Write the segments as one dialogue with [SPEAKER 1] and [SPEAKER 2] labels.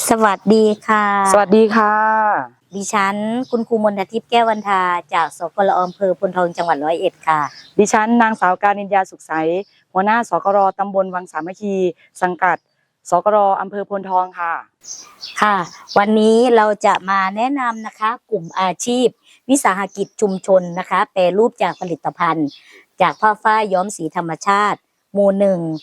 [SPEAKER 1] สวัสดีค่ะ
[SPEAKER 2] สวัสดีค่ะ
[SPEAKER 1] ดิฉันคุณครูมนทิพย์แก้ววรรณาจากสกลอำเภอพลทองจังหวัด101ค่ะ
[SPEAKER 2] ดิฉันนางสาวการิญญาสุขใสหัวหน้าสกรตำบลวังสามัคคีสังกัดสกรอำเภอพลทองค่ะ
[SPEAKER 1] ค่ะ วันนี้เราจะมาแนะนำนะคะกลุ่มอาชีพวิสาหกิจชุมชนนะคะแปรรูปจากผลิตภัณฑ์จากผ้าฝ้ายย้อมสีธรรมชาติหมู่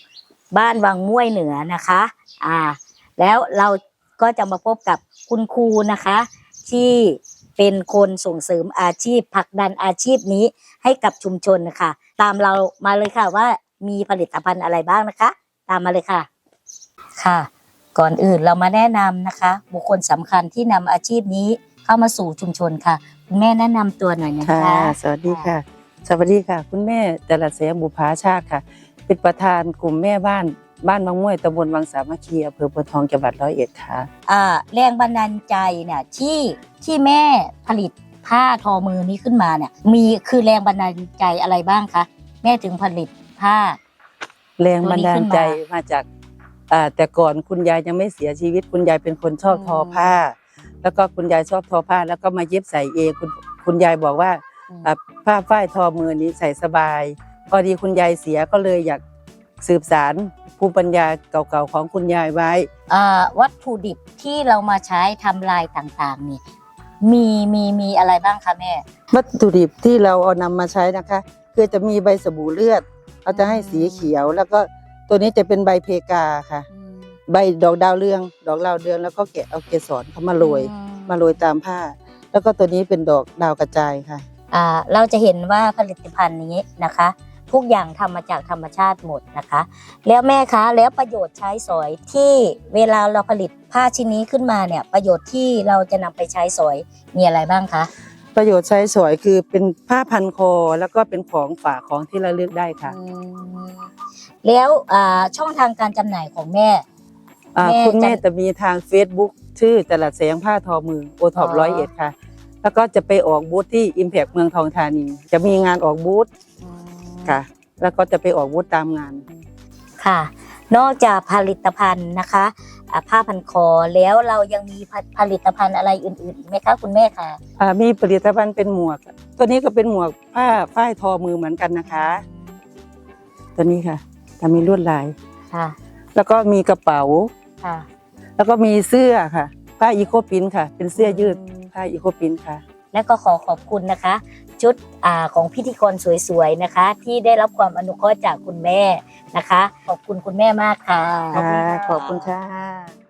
[SPEAKER 1] 1บ้านวังม่วยเหนือนะคะแล้วเราก็จะมาพบกับคุณครูนะคะที่เป็นคนส่งเสริมอาชีพผลักดันอาชีพนี้ให้กับชุมชนนะคะตามเรามาเลยค่ะว่ามีผลิตภัณฑ์อะไรบ้างนะคะตามมาเลยค่ะค่ะก่อนอื่นเรามาแนะนำนะคะบุคคลสำคัญที่นำอาชีพนี้เข้ามาสู่ชุมชนค่ะคุณแม่แนะนำตัวหน่อยนะคะ
[SPEAKER 2] สวัสดีค่ะสวัสดีค่ะคุณแม่จรัสแสงบุภาชาติค่ะเป็นประธานกลุ่มแม่บ้านวังม่วยตำบลวังสามัคคีอำเภอพลทองจังหวัด101ค่ะ
[SPEAKER 1] แรงบันดาลใจเนี่ยที่แม่ผลิตผ้าทอมือนี้ขึ้นมาเนี่ยคือแรงบันดาลใจอะไรบ้างคะแม่ถึงผลิตผ้า
[SPEAKER 2] แรงบันดาลใจมาจากแต่ก่อนคุณยายยังไม่เสียชีวิตคุณยายเป็นคนชอบทอผ้าแล้วก็คุณยายชอบทอผ้าแล้วก็มาเย็บใส่เองคุณยายบอกว่าผ้าฝ้ายทอมือนี้ใส่สบายพอดีคุณยายเสียก็เลยอยากสืบสานภูมิปัญญาเก่าๆของคุณยายไว้
[SPEAKER 1] วัตถุดิบที่เรามาใช้ทำลายต่างๆนี่มีอะไรบ้างคะแม่
[SPEAKER 2] วัตถุดิบที่เราเอานำมาใช้นะคะคือจะมีใบสบู่เลือดเราจะให้สีเขียวแล้วก็ตัวนี้จะเป็นใบเพกาค่ะใบดอกดาวเรืองแล้วก็แกะเอาเกสรเขามาโรยตามผ้าแล้วก็ตัวนี้เป็นดอกดาวกระจายค่ะ
[SPEAKER 1] เราจะเห็นว่าผลิตภัณฑ์นี้นะคะทุกอย่างทำมาจากธรรมชาติหมดนะคะแล้วแม่คะแล้วประโยชน์ใช้สอยที่เวลาเราผลิตผ้าชิ้นนี้ขึ้นมาเนี่ยประโยชน์ที่เราจะนำไปใช้สอยมีอะไรบ้างคะ
[SPEAKER 2] ประโยชน์ใช้สอยคือเป็นผ้าพันคอแล้วก็เป็นของฝากของที่ระลึกได้ค่ะ
[SPEAKER 1] แล้วช่องทางการจำหน่ายของแม่
[SPEAKER 2] คุณแม่จะมีทาง Facebook ชื่อจรัสแสงผ้าทอมือโอท็อป101ค่ะแล้วก็จะไปออกบูธที่ Impact เมืองทองธานีจะมีงานออกบูธค่ะแล้วก็จะไปออกบูธตามงาน
[SPEAKER 1] ค่ะนอกจากผลิตภัณฑ์นะคะผ้าพันคอแล้วเรายังมีผลิตภัณฑ์อะไรอื่นๆอีกไหมคะคุณแม่คะ
[SPEAKER 2] มีผลิตภัณฑ์เป็นหมวกตัวนี้ก็เป็นหมวกผ้าฝ้ายทอมือเหมือนกันนะคะตัวนี้ค่ะจะมีลวดลาย
[SPEAKER 1] ค่ะ
[SPEAKER 2] แล้วก็มีกระเป๋า
[SPEAKER 1] ค่ะ
[SPEAKER 2] แล้วก็มีเสื้อค่ะผ้าอีโคปินค่ะเป็นเสื้อยืดผ้าอีโคปินค่ะ
[SPEAKER 1] และก็ขอบคุณนะคะชุดของพิธีกรสวยๆนะคะที่ได้รับความอนุเคราะห์จากคุณแม่นะคะขอบคุณคุณแม่มากค่ะ
[SPEAKER 2] ขอบคุณค่ะ